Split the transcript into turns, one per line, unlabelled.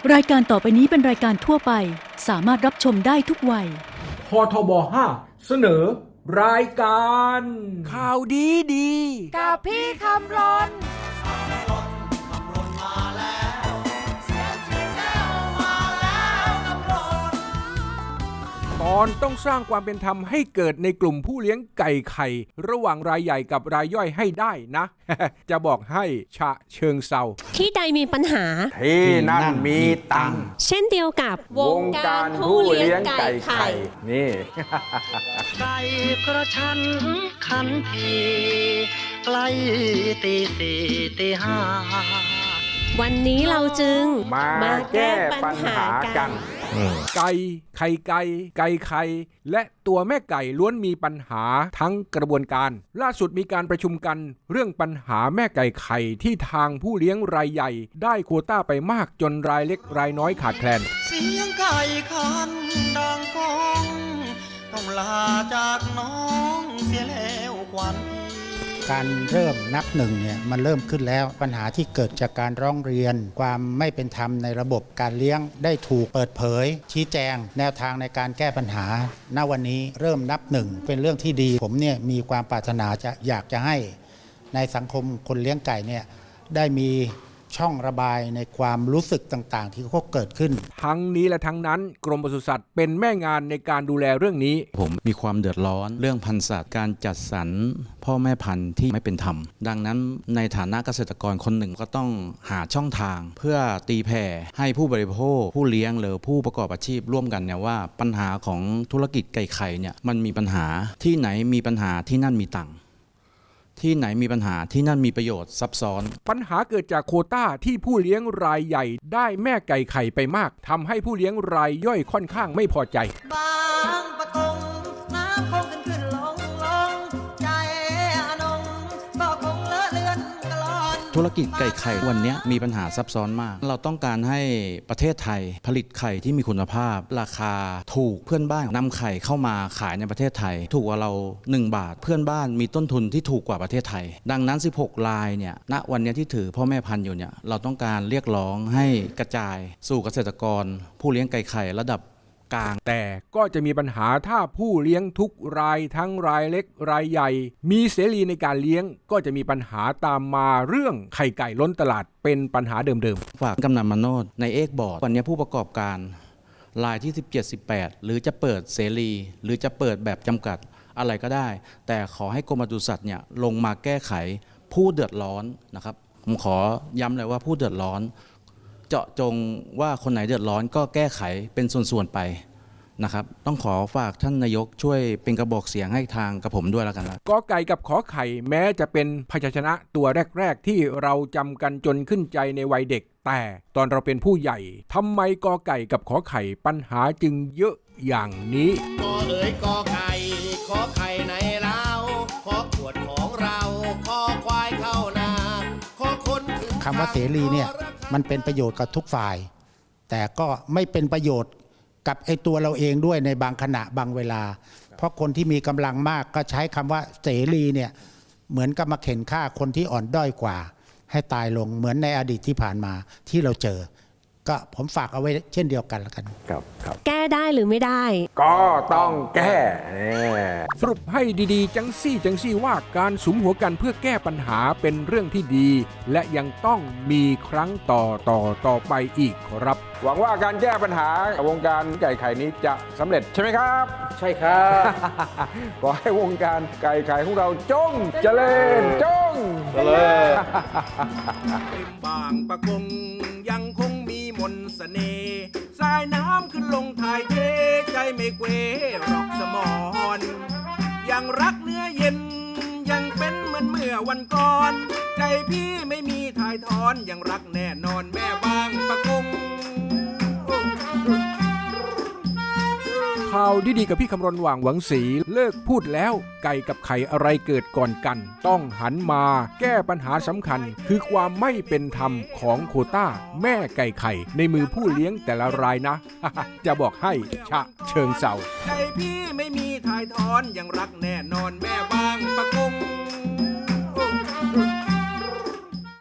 รายการต่อไปนี้เป็นรายการทั่วไปสามารถรับชมได้ทุกวัย
พทบ5เสนอรายการ
ข่าวดี
กับพี่คำรน
ตอนต้องสร้างความเป็นธรรมให้เกิดในกลุ่มผู้เลี้ยงไก่ไข่ระหว่างรายใหญ่กับรายย่อยให้ได้นะ จะบอกให้ฉะเชิงเซา
ที่ใดมีปัญหา
ที่นั่นมีตังค์
เช่นเดียวกับ
วงการผู้เลี้ยงไก่ไข่นี่
ไก่กระชั้นขันทีใกล้ตีสี่ตีห้า
วันนี้เราจึงมาแก้ปัญหากัน
ไก่ไข่ไก่ไก่ไข่และตัวแม่ไก่ล้วนมีปัญหาทั้งกระบวนการล่าสุดมีการประชุมกันเรื่องปัญหาแม่ไก่ไข่ที่ทางผู้เลี้ยงรายใหญ่ได้โควต้าไปมากจนรายเล็กรายน้อยขาดแคลน
เสียงไก่ขันดังก้องต้องลาจากน้องเสียแล้วควัน
การเริ่มนับหนึ่งเนี่ยมันเริ่มขึ้นแล้วปัญหาที่เกิดจากการร้องเรียนความไม่เป็นธรรมในระบบการเลี้ยงได้ถูกเปิดเผยชี้แจงแนวทางในการแก้ปัญหาณวันนี้เริ่มนับหนึ่งเป็นเรื่องที่ดีผมเนี่ยมีความปรารถนาอยากจะให้ในสังคมคนเลี้ยงไก่เนี่ยได้มีช่องระบายในความรู้สึกต่างๆที่เขาเกิดขึ้น
ทั้งนี้และทั้งนั้นกรมปศุสัตว์เป็นแม่งานในการดูแลเรื่องนี้
ผมมีความเดือดร้อนเรื่องพันธุ์สัตว์การจัดสรรพ่อแม่พันธุ์ที่ไม่เป็นธรรมดังนั้นในฐานะเกษตรกรคนหนึ่งก็ต้องหาช่องทางเพื่อตีแผ่ให้ผู้บริโภคผู้เลี้ยงหรือผู้ประกอบอาชีพร่วมกันเนี่ยว่าปัญหาของธุรกิจไก่ไข่เนี่ยมันมีปัญหาที่ไหนมีปัญหาที่นั่นมีตังค์ที่ไหนมีปัญหาที่นั่นมีประโยชน์ซับซ้อน
ปัญหาเกิดจากโควต้าที่ผู้เลี้ยงรายใหญ่ได้แม่ไก่ไข่ไปมากทำให้ผู้เลี้ยงรายย่อยค่อนข้างไม่พอใจ
บางปะกงน้ำคงขึ้นลงใจอนงก็คงเลอะเลือนกลอน
ธุรกิจไก่ไข่วันนี้มีปัญหาซับซ้อนมากเราต้องการให้ประเทศไทยผลิตไข่ที่มีคุณภาพราคาถูกเพื่อนบ้านนำไข่เข้ามาขายในประเทศไทยถูกกว่าเรา1 บาทเพื่อนบ้านมีต้นทุนที่ถูกกว่าประเทศไทยดังนั้น16รายเนี่ยณวันนี้ที่ถือพ่อแม่พันธุ์อยู่เนี่ยเราต้องการเรียกร้องให้กระจายสู่เกษตรกรผู้เลี้ยงไก่ไข่ระดับกลาง
แต่ก็จะมีปัญหาถ้าผู้เลี้ยงทุกรายทั้งรายเล็กรายใหญ่มีเสรีในการเลี้ยงก็จะมีปัญหาตามมาเรื่องไข่ไก่ล้นตลาดเป็นปัญหาเดิม
ๆฝากกำนันมโนดในเอกบอร์ดวันนี้ผู้ประกอบการรายที่17-18หรือจะเปิดเสรีหรือจะเปิดแบบจำกัดอะไรก็ได้แต่ขอให้กรมปศุสัตว์เนี่ยลงมาแก้ไขผู้เดือดร้อนนะครับผมขอย้ำเลยว่าผู้เดือดร้อนเจาะจงว่าคนไหนเดือดร้อนก็แก้ไขเป็นส่วนๆไปนะครับต้องขอฝากท่านนายกช่วยเป็นกระบอกเสียงให้ทางกับผมด้วยแล้วกันนะ
กอไก่กับขอไข่แม้จะเป็นพยัญชนะตัวแรกๆที่เราจำกันจนขึ้นใจในวัยเด็กแต่ตอนเราเป็นผู้ใหญ่ทำไมกอไก่กับขอไข่ปัญหาจึงเยอะอย่างนี้
กอเอ๋ยกอไก่ขอไข่ในเล้าขอขวดของเราขอควายเข้านาขอคนถึง
คำว่าเสรีเนี่ยมันเป็นประโยชน์กับทุกฝ่ายแต่ก็ไม่เป็นประโยชน์กับไอ้ตัวเราเองด้วยในบางขณะบางเวลาเพราะคนที่มีกำลังมากก็ใช้คำว่าเสรีเนี่ยเหมือนกับมาเข็นฆ่าคนที่อ่อนด้อยกว่าให้ตายลงเหมือนในอดีตที่ผ่านมาที่เราเจอก็ผมฝากเอาไว้เช่นเดียวกันละกัน
ครับ
แก้ได้หรือไม่ได้
ก็ต้องแก้สรุปให้ดีๆจังซี่ว่าการสุมหัวกันเพื่อแก้ปัญหาเป็นเรื่องที่ดีและยังต้องมีครั้งต่อไปอีกครับหวังว่าการแก้ปัญหาวงการไก่ไข่นี้จะสำเร็จใช่ไหมครับ
ใช่ครับ
ขอให้วงการไก่ไข่ของเราจงเจริญจง
เจริญ
บางปะกงยังคงมีมนต์เสน่ห์สายน้ำขึ้นลงถ่ายเทใจไม่เกวรอกสมอนยังรักเนื้อเย็นยังเป็นเหมือนเมื่อวันก่อนใจพี่ไม่มีถ่ายทอนยังรักแน่นอนแม่บางปะกงข่าวดีๆกับพี่คำรณ หว่างหวังศรีเลิกพูดแล้วไก่กับไข่อะไรเกิดก่อนกันต้องหันมาแก้ปัญหาสำคัญคือความไม่เป็นธรรมของโควต้าแม่ไก่ไข่ในมือผู้เลี้ยงแต่ละรายนะ จะบอกให้ฉะเชิงเซาใจพี่ไม่มีถ่ายทอนยังรักแน่นอนแม่บางปะ